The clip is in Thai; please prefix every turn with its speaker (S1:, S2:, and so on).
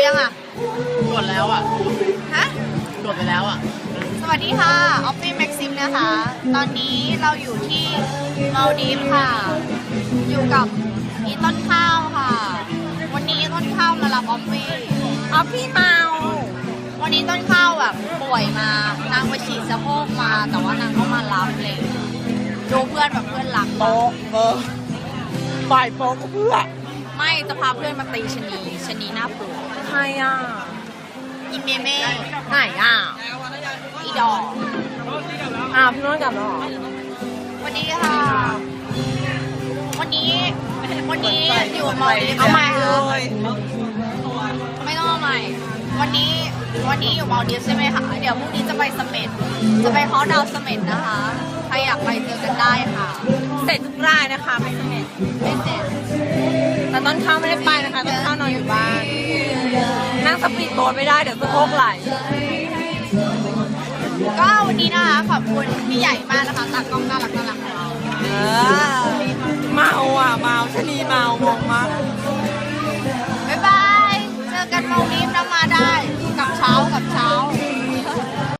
S1: ยังอ่ะ
S2: กดแล้วอ่ะ
S1: ฮะ
S2: กดไปแล้วอ่ะ
S1: สวัสดีค่ะออฟฟี่แม็กซิมนะคะ ตอนนี้เราอยู่ที่มาลดีฟค่ะ อยู่กับอีต้นข้าวค่ะ วันนี้ต้นข้าวมารับออฟฟี่เมาวันนี้ต้นข้าวแบบป่วยมานางไปฉีดสะโพกมา แต่ว่านางก็มารับเลยดูเพื่อนแบบเพื่อนรัก
S2: โป๊ะฝ่ายโป๊ะก็เพื่อ
S1: ไม่จะพาเพื่อนมาตีชะนีหน้าปลวก
S2: ใครอ่ะ
S1: อีเมเม่
S2: ไหนอ่ะ
S1: อีดอก
S2: พี่น้องกลับแล้วเหรอ
S1: วันนี้ค่ะ วันนี้อยู่มาลดีฟ
S2: เอาใหม่เลย
S1: ไม่ต้องเอาใหม่ วันนี้อยู่มาลดีฟใช่ไหมคะ เดี๋ยวพรุ่งนี้จะไปเสม็ดจะไปฮอลดาวน์เสม็ดนะคะ ใครอยากไปเจอกันได้ค่ะ
S2: เสร็จทุกรายนะคะไม่เสร็จ
S1: ไม่เสร็จ
S2: แต่ต้นข้าวไม่ได้ไปนะคะต้นข้าวนอนอยู่บ้าน นั่งสปีดโบ๊ทไม่ได้เดี๋ยวสะโพกไหล
S1: ก็วันนี้นะคะขอบคุณพี่ใหญ่มากนะคะตากล้องน่ารักของเรา
S2: เมาอ่ะเมาชะนีเมางงมาก